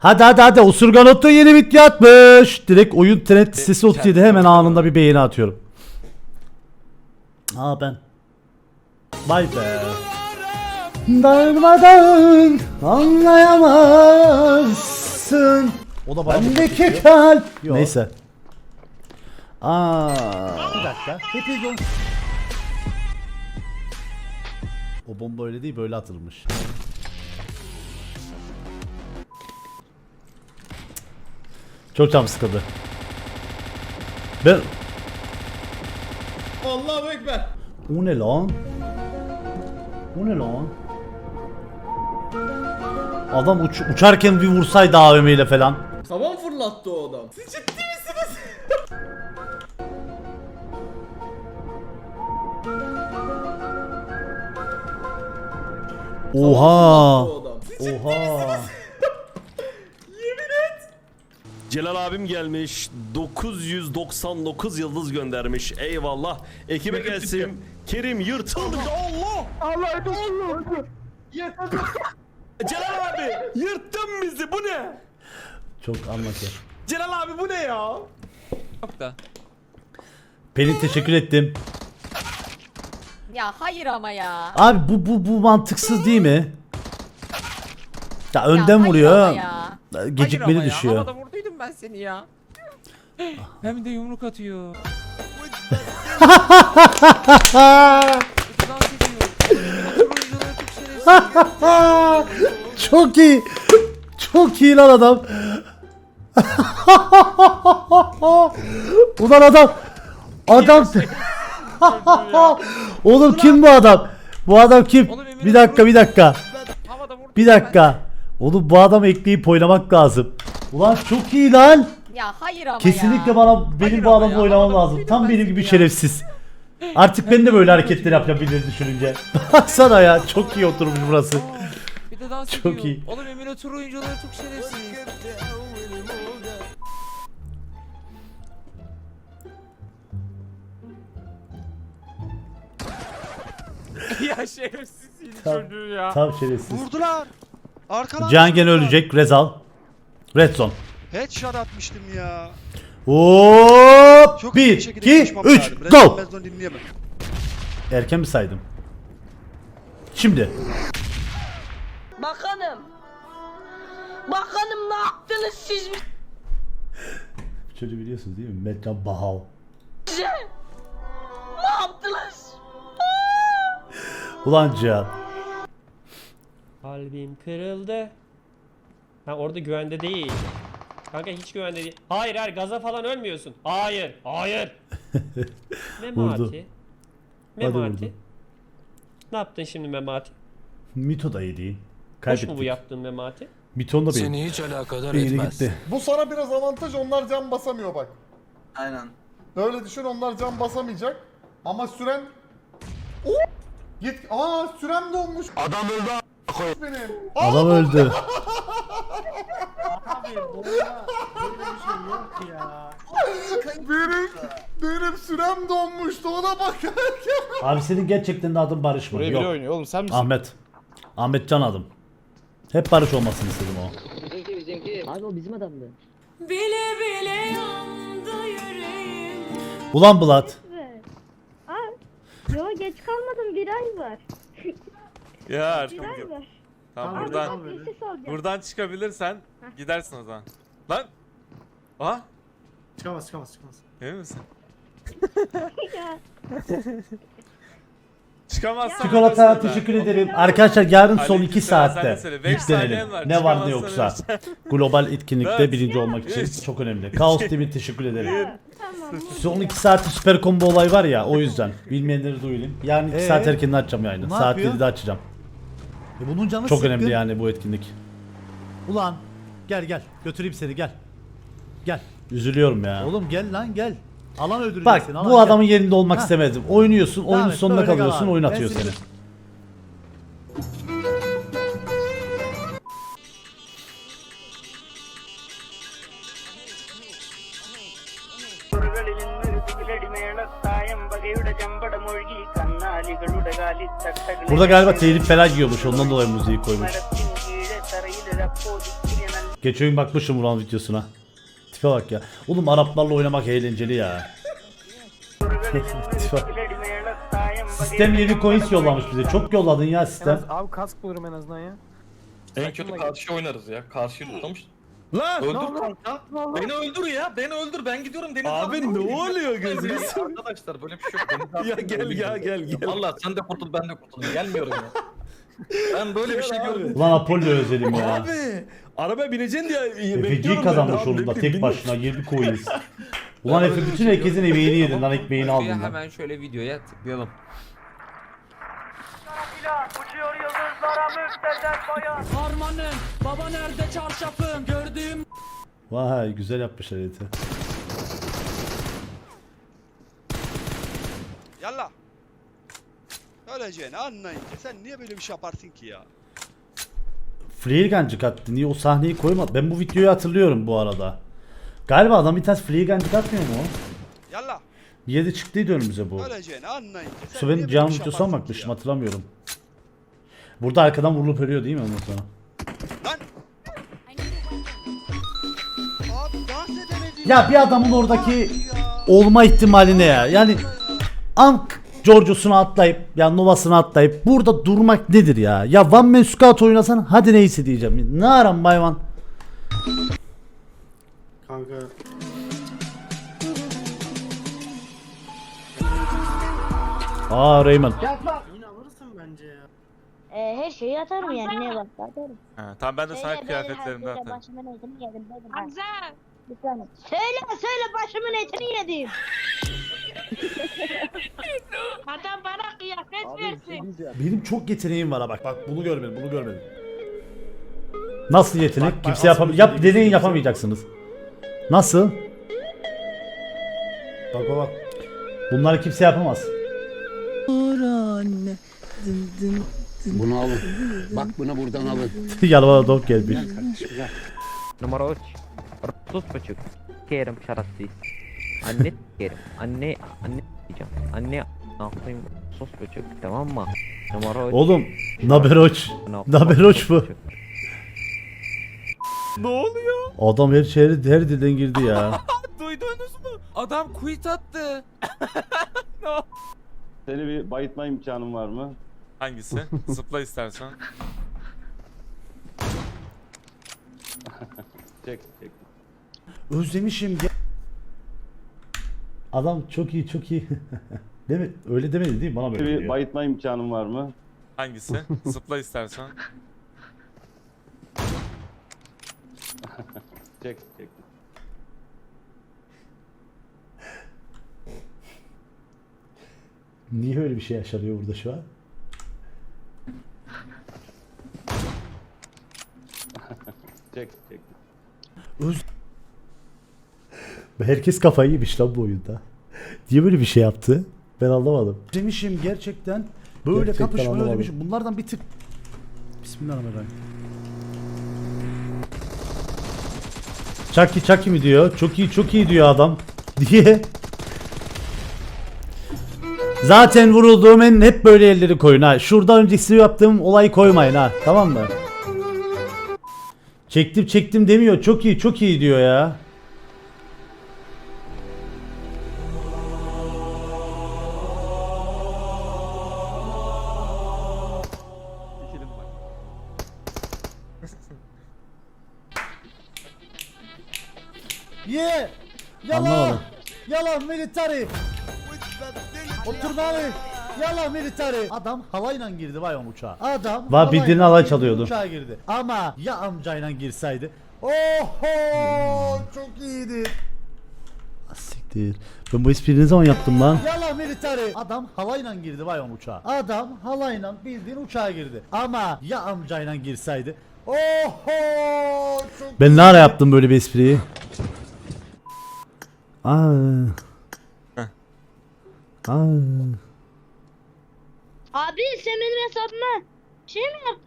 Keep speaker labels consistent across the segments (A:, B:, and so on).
A: Hadi Osurganotto yeni video atmış. Direkt oyun trend sitesi 37 hemen anında bir beğeni atıyorum. Ben. Vay be. Darmadan anlayamazsın. O da bendeki kalp. Neyse. Bir dakika. O bomba öyle değil, böyle atılmış. Çok canım sıkıldı. Ben...
B: Allahu Ekber.
A: O ne lan? O ne lan? Adam uçarken bir vursaydı AVM ile falan.
B: Tavan fırlattı o adam. Siz ciddi misiniz?
A: Oha.
B: O adam. Siz ciddi
A: Oha.
B: misiniz? Yemin et.
C: Celal abim gelmiş 999 yıldız göndermiş, eyvallah. Ekibe gelsin. Kerim yırtıldı. Allah!
B: Allah Allah.
C: Celal abi yırttın bizi, bu ne?
A: Çok anlatıyor.
C: Celal abi bu ne ya?
D: Yok da.
A: Pelin teşekkür ettim.
E: Ya hayır ama ya.
A: Abi bu mantıksız değil mi? Ya
E: Ya
A: önden
E: hayır
A: vuruyor.
E: ama ya.
A: Gecikmeli
D: Hayır ama
A: düşüyor.
D: ya. Havada vurduydum ben seni ya. Hem de yumruk atıyor. Dans ediyor. Oyuncuları çok şerefsiz.
A: Çok iyi. Çok iyi lan adam. Ulan adam. Adam. Oğlum kim bu adam? Bu adam kim?
D: Oğlum,
A: Bir dakika.
D: Havada vurdu.
A: Bir dakika. Oğlum bu adamı ekleyip oynamak lazım. Ulan çok iyi lan.
E: Ya hayır ama
A: Kesinlikle
E: ya.
A: benim
D: Hayır
A: bu
D: ama
A: adamla
D: ya,
A: oynamam
D: havada
A: lazım.
D: vurduydum
A: Tam
D: ben
A: benim
D: seni
A: gibi
D: ya.
A: şerefsiz. Artık ben de böyle hareketler yapabilirim düşününce. Baksana ya, çok iyi oturmuş burası.
D: Bir de dans
A: Çok
D: ediyor.
A: iyi.
D: Oğlum emülatör oyuncuları çok şerefsiz. Ya şerefsiz çocuğu ya.
A: Tam şerefsiz.
F: Vurdular. Arkadan
A: Can gene
F: vurdular.
A: ölecek. Rezal. Red zone.
F: Headshot atmıştım ya.
A: Hop!
F: Çok iyi
A: 1,
F: bir şekilde
A: 2,
F: konuşmam
A: 3,
F: lazım.
A: go!
F: Rezon dinleyemem.
A: Erken mi saydım? Şimdi.
G: Bakanım. Bakanım ne yaptınız siz
A: Çocuğu biliyorsunuz değil mi? Metcan Bahav.
G: bize? Ne yaptınız?
A: Ulan Cihan.
H: Kalbim kırıldı. Ha orada güvende değil. Kanka hiç güvende değil. Hayır gaza falan ölmüyorsun. Hayır.
A: Vurdu.
H: Memati.
A: vurdu.
H: Ne yaptın şimdi Memati?
A: Mito da iyi değil.
H: Hoş mu bu
A: Kaybettik.
H: yaptığın Memati?
A: Mito'nun da benim.
I: Seni hiç alakadar
A: Beyni
I: etmez.
A: gitti.
B: Bu sana biraz avantaj, onlar can basamıyor bak.
I: Aynen.
B: Öyle düşün, onlar can basamayacak. Ama süren... Git. Sürem dolmuş.
I: Adam öldü
B: Benim.
A: Adam öldü.
B: Benim sürem donmuştu, ona bakarken.
A: Abi senin gerçekten de adın Barış mı?
J: Buraya
A: Yok.
J: biri oynuyor oğlum, sen misin?
A: Ahmet. Ahmet Can adım. Hep Barış olmasını istedim o.
G: Abi o bizim adamdı.
E: Bile bile yandı yüreğim.
A: Ulan Bulat.
G: Yo geç kalmadım, bir ay var.
J: Ya
G: Bir ay var.
J: tamam
G: Abi bir şey soracağım.
J: buradan çıkabilirsen gidersin o zaman. Lan. Aha.
B: Çıkamaz.
J: Emin misin?
G: Ya.
J: Çıkamazsan
A: Çikolata
J: ölürsün
A: teşekkür
J: orada.
A: ederim. Arkadaşlar yarın son 2
J: Aleykümselam, sen de
A: saatte
J: söyle. 5
A: yüklenelim.
J: saniyen var,
A: Ne var ne
J: çıkamazsan
A: yoksa. Global etkinlikte
J: Dört.
A: birinci olmak için
J: Üç.
A: çok önemli. Kaos TV teşekkür ederim.
G: Tamam.
A: Son 2 saatte süper combo olay var ya, o yüzden. Bilmeyenleri duyurayım. Yarın 2 saat erken açacağım yayını. Saat 7'de açacağım.
K: Bunun canı
A: Çok
K: sıkkın.
A: önemli yani bu etkinlik.
K: Ulan gel götüreyim seni gel. Gel.
A: Üzülüyorum ya.
K: Oğlum gel lan gel. Alan öldüreceksin.
A: Bak
K: alan
A: bu
K: gel.
A: adamın yerinde olmak
K: Heh.
A: istemedim. Oynuyorsun,
K: Devam
A: oyunun
K: et,
A: sonuna
K: böyle kal
A: kalıyorsun,
K: abi.
A: oyun
K: Ben
A: atıyor
K: seni-
A: seni. Burada galiba telif falan yiyormuş, ondan dolayı müziği koymuş. Geçen gün bakmışım Vural videosuna. Tipe bak ya. Oğlum Araplarla oynamak eğlenceli ya. Tipe. Sistem yeni coins yollamış bize. Çok yolladın ya sistem.
D: Abi kask bulurum en azından ya.
J: En kötü karşı oynarız ya. Karşıyı tutamış.
C: Lan!
J: Öldür kanka. Beni öldür ya. Beni öldür. Ben gidiyorum Deniz
C: Abi ne oluyor gözünü
J: Arkadaşlar böyle bir şey yok. Deniz
C: Ya gel ya gel.
J: Valla sen de kurtul ben de kurtul. Gelmiyorum ya. Ben böyle bir şey görmedim.
A: Ulan Apollo özledim ya.
C: Abi! Arabaya bineceksin diye
A: Efe
C: bekliyorum
A: G kazanmış
C: ben de.
A: onunla
C: Abi,
A: tek başına 20 coins. Ulan Efe bütün herkesin emeğini yedin lan ekmeğini aldın lan.
D: Hemen şöyle videoya tıklayalım. Harmanım, baba nerede çarşafım? Gördüğüm
A: Vay güzel yapmış harita.
F: Yallah. Öleceğini anlayınca sen niye böyle bir şey yaparsın ki ya?
A: Freelgancık attı. Niye o sahneyi koymadı? Ben bu videoyu hatırlıyorum bu arada. Galiba adam bir tane Freelgancık atmıyor mu?
F: Yallah.
A: Bir yerde çıktıydı önümüze bu.
F: Öleceğini anlayınca sen
A: Su
F: niye
A: benim
F: böyle
A: canım
F: bir şey
A: videosuna
F: yaparsın ki
A: bakmıştım
F: ya?
A: hatırlamıyorum. Burada arkadan vurulup ölüyor değil mi ondan sonra?
F: Lan. Abi dans edemedi.
A: Ya bir adamın oradaki
F: Ya.
A: olma ihtimali ne ya? Yani Ank Giorgio'sunu atlayıp ya Nova'sını atlayıp burada durmak nedir ya? Ya One Man Scout oynasan hadi neyse diyeceğim. Ne aram bayvan?
B: Kanka.
A: Aa Raymond.
G: Her şeyi atarım yani ne varsa atarım.
J: Ha, tamam ben de sana kıyafetlerimden
G: Söyle
J: atarım.
G: başımın etini yedim dedim. Hamza. Bir saniye. Söyle başımın etini yedim. Adam bana kıyafet versin.
A: Benim çok yeteneğim var ha bak. Bak bunu görmedim, bunu görmedim. Nasıl yetenek?
K: Bak,
A: Kimse
K: asıl
A: yapam. Yap
K: yeteneği
A: deneyin
K: kimse-
A: yapamayacaksınız. Nasıl? Bak bak. Bunları kimse yapamaz.
I: Bunu alın. Bak bunu buradan alın.
A: Yanıma dog gelmiş.
D: numara 3. 30,5. Kerim şarasıyız. Anne kerim. Anne diyeceğim. Anne yapayım 30,5 tamam mı? Numara 3.
A: Oğlum, Naberoç. Naberoç bu.
C: Ne oluyor?
A: Adam her dilden girdi ya.
D: Duydunuz mu? Adam quit attı.
I: Seni bir bayıtma imkanın var mı?
J: Hangisi? Zıpla istersen.
I: Çek.
A: Özlemişim. Adam çok iyi çok iyi. Değil mi? Öyle demedi değil mi? Bana böyle
I: Bir
A: diyor.
I: bayıtma imkanın var mı?
J: Hangisi? Zıpla istersen.
I: Çek.
A: Niye öyle bir şey yaşanıyor burada şu an?
I: Çek.
A: Herkes kafayı yemiş lan bu oyunda. Niye böyle bir şey yaptı? Ben anlamadım. Demişim gerçekten böyle Gerçekten kapışma anlamadım. özlemişim. Bunlardan bir tık. Bismillahirrahmanirrahim. Chucky mi diyor? Çok iyi diyor adam. Diye. Zaten vurulduğum en hep böyle elleri koyun ha. Şurada öncesi yaptığım olayı koymayın ha. Tamam mı? Çektim demiyor. Çok iyi diyor ya. Ye!
K: Yalan! Yalan military! Otur bari! Yalan military! Adam havayla girdi vay on uçağa. Adam
A: Va, bildiğin
K: havayla
A: halay
K: girdi,
A: çalıyordu.
K: Uçağa girdi. Ama ya amcayla girseydi. Oho! Çok iyiydi.
A: Siktir. Ben bu espriyi ne zaman yaptım lan?
K: Yalan military! Adam havayla girdi vay on uçağa. Adam halayla bildiğin uçağa girdi. Ama ya amcayla girseydi. Oho! Çok
A: Ben ne ara yaptım böyle bir espriyi? Aa.
G: Abi sen benim hesabıma şey mi yaptın?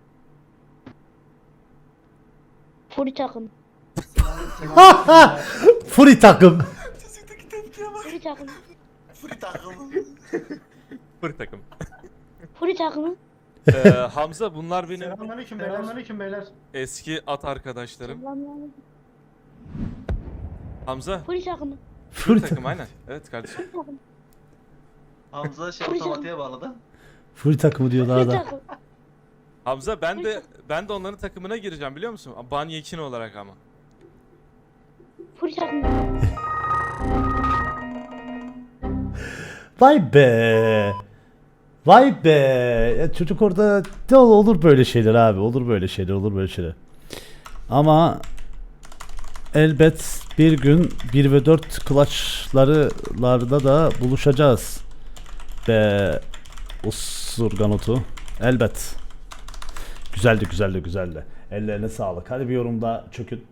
G: Furi takım.
A: Furi takım.
G: Furi takım.
J: Fır takım.
G: Furi takımı.
C: Hamza bunlar benim
B: Selamünaleyküm beyler.
C: eski at arkadaşlarım. Hamza.
G: Polis takımı.
C: Full takım aynen. Evet kardeşim.
J: Hamza otomatiğe bağladı.
K: Full takımı diyor daha
G: Polis
K: da.
G: takımı.
C: Hamza ben de onların takımına gireceğim biliyor musun? Banyekin olarak ama.
G: Polis takımı.
K: Vay be. Vay be. Ya çocuk orada de olur böyle şeyler abi. Olur böyle şeyler. Ama elbet bir gün 1 ve 4 clutch'larda da buluşacağız. Be Usurganotu. Elbet. Güzeldi. Ellerine sağlık. Hadi bir yorumda çökün.